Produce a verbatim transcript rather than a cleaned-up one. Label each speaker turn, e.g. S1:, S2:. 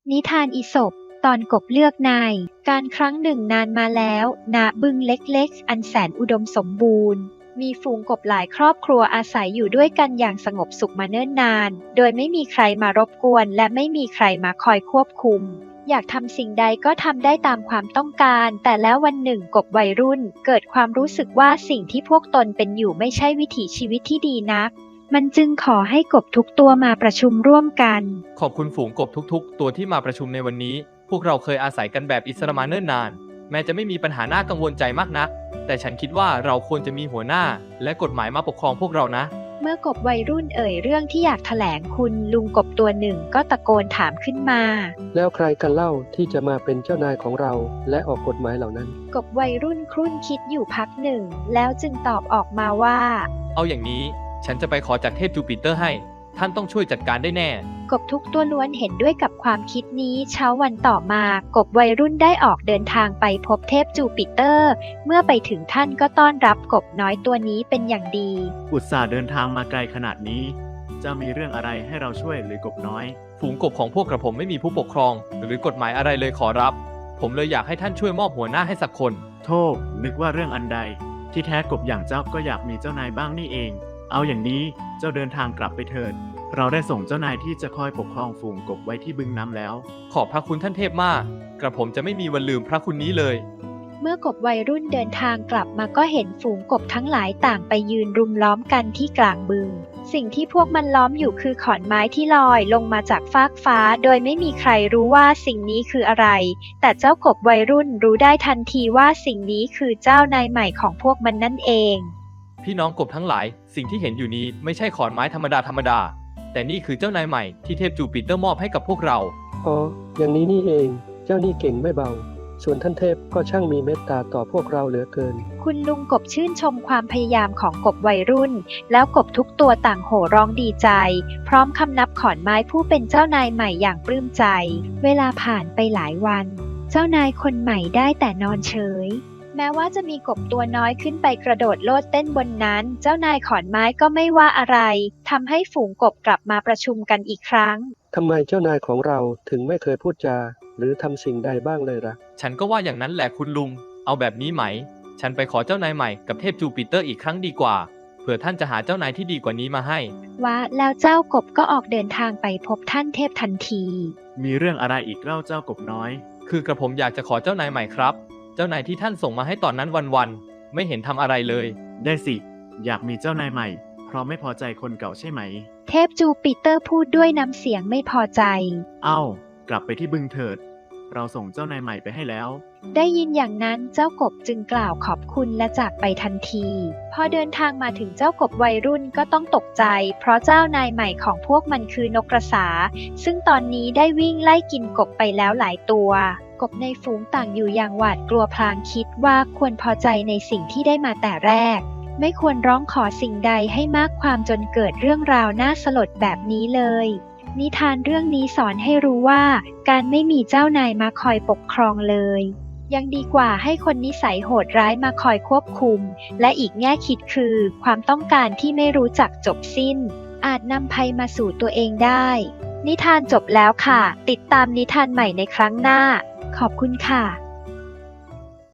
S1: นิทานอีสปตอนกบเลือกนายการครั้งหนึ่งนานมาแล้วณบึงเล็กๆอันแสนอุดมสมบูรณ์มีฝูงกบหลายครอบครัวอาศัยอยู่ด้วยกันอย่างสงบสุขมาเนิ่นนานโดยไม่มีใครมารบกวนและไม่มีใครมาคอยควบคุมอยากทำสิ่งใดก็ทำได้ตามความต้องการแต่แล้ววันหนึ่งกบวัยรุ่นเกิดความรู้สึกว่าสิ่งที่พวกตนเป็นอยู่ไม่ใช่วิถีชีวิตที่ดีนักมันจึงขอให้กบทุกตัวมาประชุมร่วมกัน
S2: ขอบคุณฝูงกบทุกๆตัวที่มาประชุมในวันนี้พวกเราเคยอาศัยกันแบบอิสระมาเนิ่นนานแม้จะไม่มีปัญหาน่ากังวลใจมากนักแต่ฉันคิดว่าเราควรจะมีหัวหน้าและกฎหมายมาปกครองพวกเรานะ
S1: เมื่อกบวัยรุ่นเอ่ยเรื่องที่อยากแถลงคุณลุงกบตัวหนึ่งก็ตะโกนถามขึ้นมา
S3: แล้วใครกันเล่าที่จะมาเป็นเจ้านายของเราและออกกฎหมายเหล่านั้น
S1: กบวัยรุ่นครุ่นคิดอยู่พักหนึ่งแล้วจึงตอบออกมาว่า
S2: เอาอย่างนี้ฉันจะไปขอจากเทพจูปิเตอร์ให้ท่านต้องช่วยจัดการได้แน่
S1: กบทุกตัวล้วนเห็นด้วยกับความคิดนี้เช้าวันต่อมากบวัยรุ่นได้ออกเดินทางไปพบเทพจูปิเตอร์เมื่อไปถึงท่านก็ต้อนรับกบน้อยตัวนี้เป็นอย่างดี
S4: อุตส่าห์เดินทางมาไกลขนาดนี้จะมีเรื่องอะไรให้เราช่วยหรือกบน้อย
S2: ฝูงกบของพวกกระผมไม่มีผู้ปกครองหรือกฎหมายอะไรเลยขอรับผมเลยอยากให้ท่านช่วยมอบหัวหน้าให้สักคน
S4: โธ่นึกว่าเรื่องอันใดที่แท้กบอย่างเจ้าก็อยากมีเจ้านายบ้างนี่เองเอาอย่างนี้เจ้าเดินทางกลับไปเถิดเราได้ส่งเจ้านายที่จะคอยปกครองฝูงกบไว้ที่บึงน้ำแล้ว
S2: ขอบพระคุณท่านเทพมากกระผมจะไม่มีวันลืมพระคุณนี้เลย
S1: เมื่อกบวัยรุ่นเดินทางกลับมาก็เห็นฝูงกบทั้งหลายต่างไปยืนรุมล้อมกันที่กลางบึงสิ่งที่พวกมันล้อมอยู่คือขอนไม้ที่ลอยลงมาจากฟากฟ้าโดยไม่มีใครรู้ว่าสิ่งนี้คืออะไรแต่เจ้ากบวัยรุ่นรู้ได้ทันทีว่าสิ่งนี้คือเจ้านายใหม่ของพวกมันนั่นเอง
S2: พี่น้องกบทั้งหลายสิ่งที่เห็นอยู่นี้ไม่ใช่ขอนไม้ธรรมดาธรรมดาแต่นี่คือเจ้านายใหม่ที่เทพจูปิเตอร์มอบให้กับพวกเรา
S3: อ๋ออย่างนี้นี่เองเจ้านี่เก่งไม่เบาส่วนท่านเทพก็ช่างมีเมตตาต่อพวกเราเหลือเกิน
S1: คุณลุงกบชื่นชมความพยายามของกบวัยรุ่นแล้วกบทุกตัวต่างโห่ร้องดีใจพร้อมคำนับขอนไม้ผู้เป็นเจ้านายใหม่อย่างปลื้มใจเวลาผ่านไปหลายวันเจ้านายคนใหม่ได้แต่นอนเฉยแม้ว่าจะมีกบตัวน้อยขึ้นไปกระโดดโลดเต้นบนนั้นเจ้านายขอนไม้ก็ไม่ว่าอะไรทำให้ฝูงกบกลับมาประชุมกันอีกครั้ง
S3: ทำไมเจ้านายของเราถึงไม่เคยพูดจาหรือทำสิ่งใดบ้างเลยล่ะ
S2: ฉันก็ว่าอย่างนั้นแหละคุณลุงเอาแบบนี้ไหมฉันไปขอเจ้านายใหม่กับเทพจูปิเตอร์อีกครั้งดีกว่าเผื่อท่านจะหาเจ้านายที่ดีกว่านี้มาให้
S1: ว่าแล้วเจ้ากบก็ออกเดินทางไปพบท่านเทพทันที
S4: มีเรื่องอะไรอีกเล่าเจ้ากบน้อย
S2: คือกระผมอยากจะขอเจ้านายใหม่ครับเจ้านายที่ท่านส่งมาให้ตอนนั้นวันๆไม่เห็นทำอะไรเลย
S4: ได้สิอยากมีเจ้านายใหม่เพราะไม่พอใจคนเก่าใช่ไหม
S1: เทพจูปิเตอร์พูดด้วยน้ำเสียงไม่พอใจ
S4: เอ้ากลับไปที่บึงเถิดเราส่งเจ้านายใหม่ไปให้แล้ว
S1: ได้ยินอย่างนั้นเจ้ากบจึงกล่าวขอบคุณและจากไปทันทีพอเดินทางมาถึงเจ้ากบวัยรุ่นก็ต้องตกใจเพราะเจ้านายใหม่ของพวกมันคือนกกระสาซึ่งตอนนี้ได้วิ่งไล่กินกบไปแล้วหลายตัวกบในฝูงต่างอยู่อย่างหวาดกลัวพลางคิดว่าควรพอใจในสิ่งที่ได้มาแต่แรกไม่ควรร้องขอสิ่งใดให้มากความจนเกิดเรื่องราวน่าสลดแบบนี้เลยนิทานเรื่องนี้สอนให้รู้ว่าการไม่มีเจ้านายมาคอยปกครองเลยยังดีกว่าให้คนนิสัยโหดร้ายมาคอยควบคุมและอีกแง่คิดคือความต้องการที่ไม่รู้จักจบสิ้นอาจนำภัยมาสู่ตัวเองได้นิทานจบแล้วค่ะติดตามนิทานใหม่ในครั้งหน้าขอบคุณค่ะ